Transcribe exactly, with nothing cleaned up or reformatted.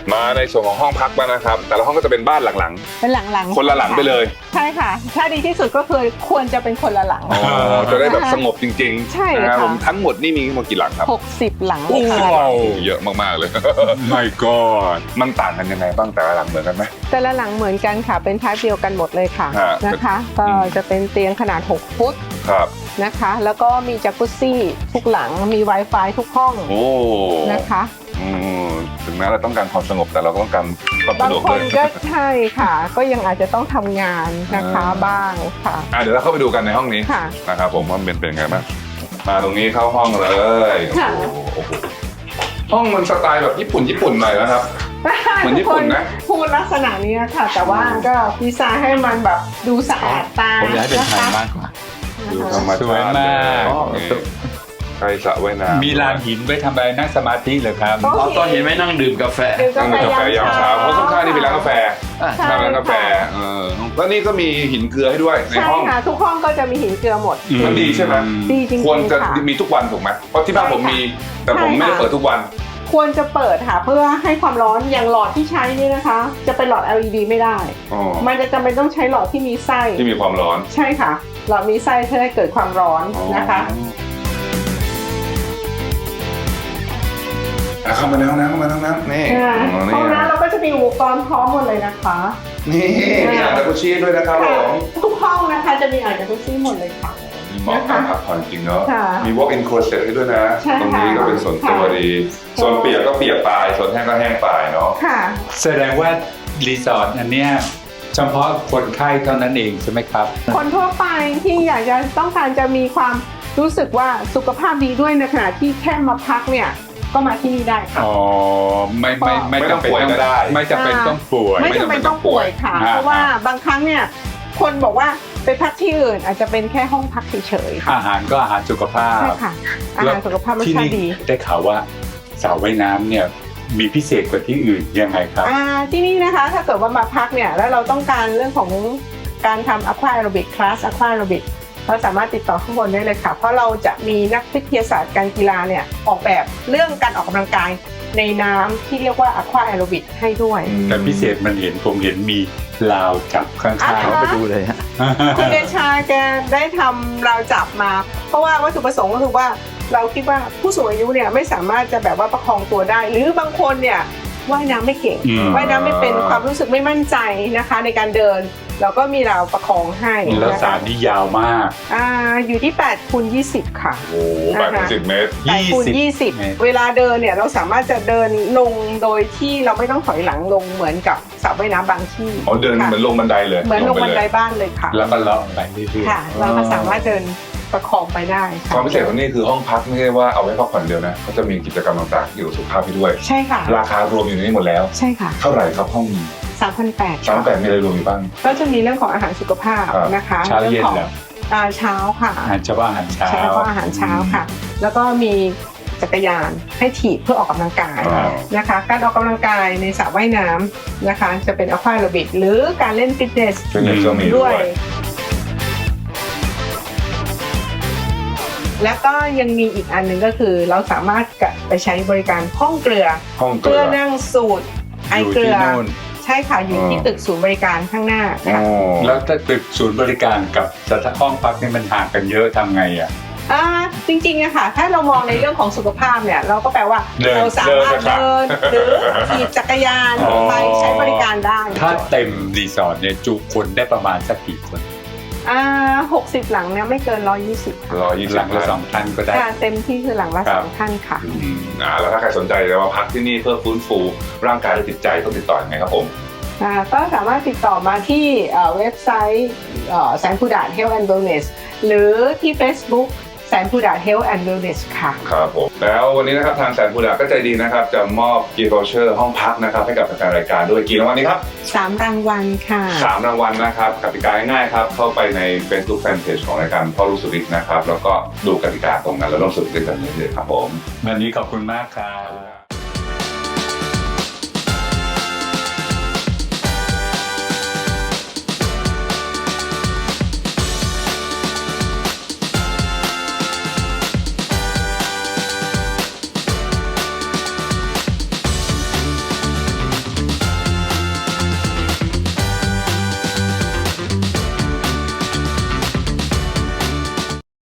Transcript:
มาในส่วนของห้องพักบ้างนะครับแต่ละห้องก็จะเป็นบ้านหลังเป็นหลังๆๆคนละหลังไปเลยใช่ค่ะถ้าดีที่สุดก็คือควรจะเป็นคนละหลังอ๋อจะได้แบบสงบจริงๆใช่นะครับค่ะผมทั้งหมดนี่มีทั้งหมดกี่หลังครับหกสิบหลังโอ้โหค่ะเยอะมากๆเลย My God มันต่างกันยังไงบ้างแต่ละหลังเหมือนกันไหมแต่ละหลังเหมือนกันค่ะเป็นทายเดียวกันหมดเลยค่ะฮะนะคะก็จะเป็นเตียงขนาดหกฟุตครับนะคะแล้วก็มีจักรุซี่ทุกหลังมี Wi-Fi ทุกห้องโอ้นะคะอืมถึงแม้เราต้องการความสงบแต่เราก็ต้องการความสะบางดวกคด้วน ยก็ใช่ค่ะ ก็ยังอาจจะต้องทำงานนะคะอ่าบ้างค่ะอ่ะเดี๋ยวเราเข้าไปดูกันในห้องนี้ค่ะนะครับผมว่าเป็นเป็นไงบ้างมาตรงนี้เข้าห้องเลยค่ะโอ้โหโอ้โหห้องมันสไตล์แบบญี่ปุ่นญี่ปุ่นหน่อยนะครับ เหมือนญี่ปุ่นนะพูดลักษณะนี้ค่ะ แต่ว่าก็ดีไซน์ให้มันแบบดูสะอาดตาผมอยากให้เป็นไทยนะคะมากกว่าดูนะธรคะรมชาติสวยมากอ๋อนี่ใครสระว่ายน้ำมีลานหินไว้ทำอะไรนั่งสมาธิเหรอครับโต๊ะเอาตอนเห็นไหมนั่งดื่มกาแฟดื่มกานั่งแฟดื่มกาแฟยามเช้าเพราะข้างๆนี่เป็นร้านกาแฟใช่ร้านกาแฟเออแล้วนี่ก็มีหินเกลือให้ด้วยในใช่ห้องค่ะทุกห้องก็จะมีหินเกลือหมดมันดีใช่ไหมดีจริงๆควรจะค่ะมีทุกวันถูกไหมเพราะที่บ้านผมมี แต่ผมไม่ได้เปิดทุกวันควรจะเปิดค่ะเพื่อให้ความร้อนอย่างหลอดที่ใช้นี่นะคะ จะเป็นหลอด แอล อี ดี ไม่ได้อ๋อมันจะจำเป็นต้องใช้หลอดที่มีไส้ที่มีความร้อนใช่ค่ะ หลอดมีไส้เพื่อให้เกิดความร้อนนะคะอ่ะเข้ามาในห้องน้ำเข้ามาในห้องน้ำนี่อ่าอ๋อห้องนี่น้ำเราก็จะมีอุปกรณ์พร้อมหมดเลยนะคะนี่มีอ่างจักรุชี่ด้วยนะครับผมทุกห้องนะคะจะมีอ่างจากุซี่หมดเลยค่ะมีเหมาะกับพักผ่อนจริงเนาะค่ะมี walk in closet ให้ด้วยนะใช่ค่ะตรงนี้ก็เป็นส่วนตัวดีค่ะส่วนเปียกก็เปียกไปส่วนแห้งก็แห้งไปเนาะค่ะแสดงว่ารีสอร์ทอันเนี้ยเฉพาะคนไข้เท่านั้นเองใช่ไหมครับคนทั่วไปที่อยากจะต้องการจะมีความรู้สึกว่าสุขภาพดีด้วยในขณะที่แค่มาพักเนี่ยก็มาที่นี่ได้ค่ะอ๋อ ไม่ไม่ไม่ไม่ต้องจำเป็นป่วยก็ได้ไม่จำเป็นต้องป่วยไม่จำเป็นต้องป่วยค่ะอ่าเพราะว่าบางครั้งเนี่ยคนบอกว่าไปพักที่อื่นอาจจะเป็นแค่ห้องพักเฉยๆค่ะอาหารก็อาหารสุขภาพใช่ค่ะ อาหารสุขภาพรสที่ชานี่ติดีได้ข่าวว่าสระว่ายน้ำเนี่ยมีพิเศษกว่าที่อื่นยังไงครับอ่าที่นี่นะคะถ้าเกิดว่ามาพักเนี่ยแล้วเราต้องการเรื่องของการทำ Aqua Aerobic Class Aqua Aerobic เราสามารถติดต่อข้างบนได้เลยค่ะ เพราะเราจะมีนักวิทยาศาสตร์การกีฬาเนี่ยออกแบบเรื่องการออกกำลังกายในน้ำที่เรียกว่า Aqua Aerobic ให้ด้วยแต่พิเศษมันเห็นผมเห็นมีลาวจับข้างอ่าๆไปดูเลยฮะคุณเดชาแกได้ทำราวจับมา เพราะว่าวัตถุประสงค์ก็คือว่าเราคิดว่าผู้สูงอายุเนี่ยไม่สามารถจะแบบว่าประคองตัวได้ หรือบางคนเนี่ยว่ายน้ำไม่เก่งอืมว่ายน้ำไม่เป็นความรู้สึกไม่มั่นใจนะคะในการเดิน เราก็มีราวประคองให้แล้วนะสาคะรนี่ยาวมากอ่าอยู่ที่แปดคูณยี่สิบค่ะโอ้โหแปดถึงสิบเมตรแปดคูณยี่สิบเมตรเวลาเดินเนี่ยเราสามารถจะเดินลงโดยที่เราไม่ต้องถอยหลังลงเหมือนกับสระว่ายน้ำบางที่อ๋อเดินค่ะเหมือนลงบันไดเลยเหมือนลงบันไดปเลยบ้านเลยค่ะแล้วก็เลาะไปเรื่อยๆค่ะ เราก็สามารถเดินประคองไปได้คค่ะวามพิเศษของนี่คือห้องพักไม่ใช่ว่าเอาไว้พักผ่อนเดียวนะเขาจะมีกิจกรรมต่างๆเกี่ยวกับสุขภาพให้ด้วยใช่ค่ะราคารวมอยู่ในนี้หมดแล้วใช่ค่ะเท่าไหร่ครับห้องนี้สามพันแปดสามแปดมีอะไรรวมอยู่บ้างก็จะมีเรื่องของอาหารสุขภาพครับนะคะเช้าเย็นของเหรออ่าเช้าค่ะอาหารเช้าอาหารเช้าใช่ก็อาหารเช้าค่ะ แล้วก็มีจักรยานให้ถีบเพื่อออกกำลังกายอ่านะคะ การออกกำลังกายในสระว่ายน้ำนะคะ จะเป็นอะควาแอโรบิกหรือการเล่นฟิตเนสฟิตเนสก็มีด้ด้ววย ยแล้วก็ยังมีอีกอันหนึ่งก็คือเราสามารถไปใช้บริการห้องเกลือห้องเกเพื่ลืออนั่งสูตรไออยู่เกลืที่อโน่นใช่ค่ะอยู่ที่อ๋อตึกศูนย์บริการข้างหน้าอ๋ค่ะอแล้วถ้าตึกศูนย์บริการกับสถานห้องพักนี่มันห่างกันเยอะทำไงอ่ะอ่าจริงๆอะค่ะถ้าเรามองในเรื่องของสุขภาพเนี่ยเราก็แปลว่าเดินเราสามารถเดิเดินนหรือขี่จักรยานอ๋อไปใช้บริการได้ถ้าเต็มรีสอร์ทเนี่ยจุคนได้ประมาณสักกี่คนอ่าหกสิบหลังเนี่ยไม่เกินร้อยยี่สิบค่ะร้อยยี่หสิลับงละสองท่านก็ได้ค่ะเต็มที่คือหลังละครัสบองท่านค่ะอืมอ่าแล้วถ้าใครสนใจจะมาพักที่นี่เพื่อฟื้นฟูร่างกายและจิตใจต้องติดต่อยังไงครับผมอ่าก็สามารถติดต่อมาที่เอ่อเว็บไซต์แสนพูดา Health and Wellness หรือที่ Facebook แสนพูดา Health and Wellness ค่ะครับผมแล้ววันนี้นะครับทางแสนพูดาก็ใจดีนะครับจะมอบกิฟต์วอเชอร์ห้องพักนะครับให้กับแฟนรายการด้วยกี่รางวัลนี้ครับสามรางวัลค่ะสามรางวัลนะครับกติกาง่ายๆครับเข้าไปใน Facebook Fanpage ของรายการพ่อลูกสุริศนะครับแล้วก็ดูกติกาตรงนั้นแล้วร่วมสนุกด้วยกันเลยครับผมวันนี้ขอบคุณมากครับ